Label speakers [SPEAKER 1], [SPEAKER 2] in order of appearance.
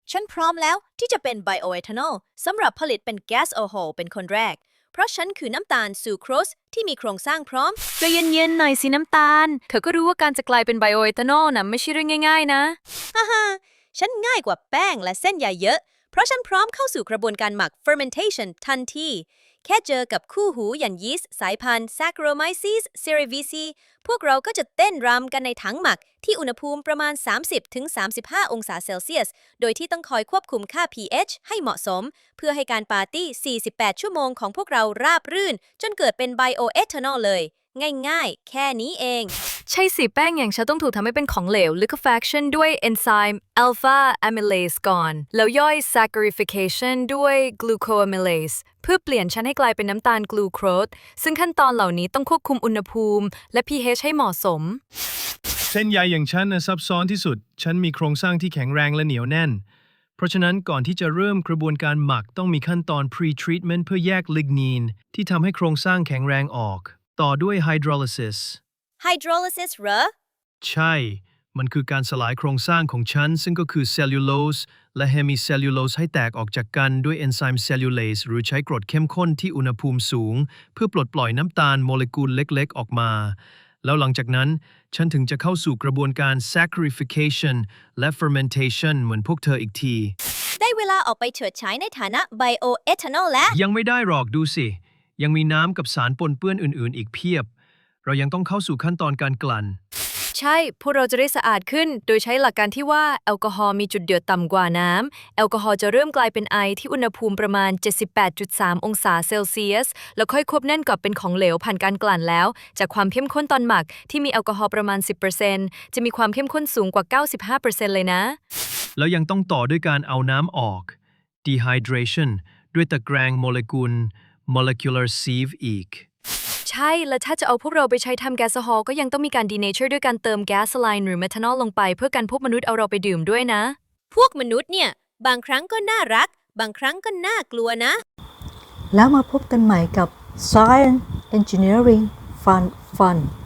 [SPEAKER 1] ฉันพร้อมแล้วที่จะเป็นไบโอเอทานอลสำหรับผลิตเป็นแก๊สโอโฮเป็นคนแรก เพราะฉันคือน้ำตาลซูโครสที่มีโครงสร้างพร้อม
[SPEAKER 2] ใจเย็นๆหน่อยสิน้ำตาล เธอก็รู้ว่าการจะกลายเป็นไบโอเอทานอลน่ะไม่ใช่เรื่องง่ายๆนะ
[SPEAKER 1] ฮ่าฮ่าฉันง่ายกว่าแป้งและเส้นใยเยอะ เพราะฉันพร้อมเข้าสู่กระบวนการหมัก fermentation ทันที แค่เจอกับคู่หูอย่างยีสต์สายพันธุ์ Saccharomyces cerevisiae พวกเราก็จะเต้นรำกันในถังหมักที่อุณหภูมิประมาณ 30-35 องศาเซลเซียส โดยที่ต้องคอยควบคุมค่า pH ให้เหมาะสม เพื่อให้การปาร์ตี้ 48 ชั่วโมงของพวกเราราบรื่น จนเกิดเป็นไบโอเอทานอลเลย ง่ายๆ แค่นี้เอง
[SPEAKER 2] ใช่สิแป้งอย่างฉันต้องถูกทำให้เป็นของเหลว liquefaction ด้วยเอนไซม์ alpha amylase ก่อน แล้วย่อย saccharification ด้วย glucoamylase เพื่อเปลี่ยนชั้นให้กลายเป็นน้ำตาลกลูโคสซึ่งขั้นตอนเหล่านี้ต้องควบคุมอุณหภูมิและ pH ให้เหมาะสม
[SPEAKER 3] เส้นใยอย่างฉันซับซ้อนที่สุด ฉันมีโครงสร้างที่แข็งแรงและเหนียวแน่น เพราะฉะนั้นก่อนที่จะเริ่มกระบวนการหมักต้องมีขั้นตอน pre-treatment เพื่อแยกลิกนีนที่ทำให้โครงสร้างแข็งแรงออก ต่อด้วย hydrolysis
[SPEAKER 1] hydrolysis เหรอ
[SPEAKER 3] ใช่ มันคือการสลายโครงสร้างของชั้นซึ่งก็คือเซลลูโลสและเฮมิเซลลูโลสให้แตกออกจากกันด้วยเอนไซม์เซลลูเลสหรือใช้กรดเข้มข้นที่อุณหภูมิสูง เพื่อปลดปล่อยน้ำตาลโมเลกุลเล็กๆออกมา แล้วหลังจากนั้นฉันถึงจะเข้าสู่กระบวนการ saccharification และ fermentation เหมือนพวกเธออีกที
[SPEAKER 1] ได้เวลาออกไปเฉิดฉายในฐานะไบโอเอทานอลแล้ว
[SPEAKER 3] ยังไม่ได้หรอกดูสิ ยังมีน้ำกับสารปนเปื้อนอื่นๆ อีกเพียบ เรายังต้องเข้าสู่ขั้นตอนการกลั่น
[SPEAKER 2] ใช่ พวกเราจะได้สะอาดขึ้น โดยใช้หลักการที่ว่าแอลกอฮอล์มีจุดเดือดต่ำกว่าน้ำ แอลกอฮอล์จะเริ่มกลายเป็นไอที่อุณหภูมิประมาณ 78.3 องศาเซลเซียส แล้วค่อยควบแน่นกับเป็นของเหลวผ่านการกลั่นแล้ว จากความเข้มข้นตอนหมักที่มีแอลกอฮอล์ประมาณ 10% จะมีความเข้มข้นสูงกว่า 95% เลยนะ
[SPEAKER 3] แล้วยังต้องต่อด้วยการเอาน้ำออก dehydration ด้วยตะแกรงโมเลกุล molecular sieve อีก
[SPEAKER 2] ใช่ และถ้าจะเอาพวกเราไปใช้ทำแก๊สโซฮอลก็ยังต้องมีการดีเนเจอร์ด้วยการเติมแก๊สไลน์หรือเมทานอลลงไปเพื่อกันพวกมนุษย์เอาเราไปดื่มด้วยนะ
[SPEAKER 1] พวกมนุษย์เนี่ย บางครั้งก็น่ารัก บางครั้งก็น่ากลัวนะ
[SPEAKER 4] แล้วมาพบกันใหม่กับ Science Engineering Fun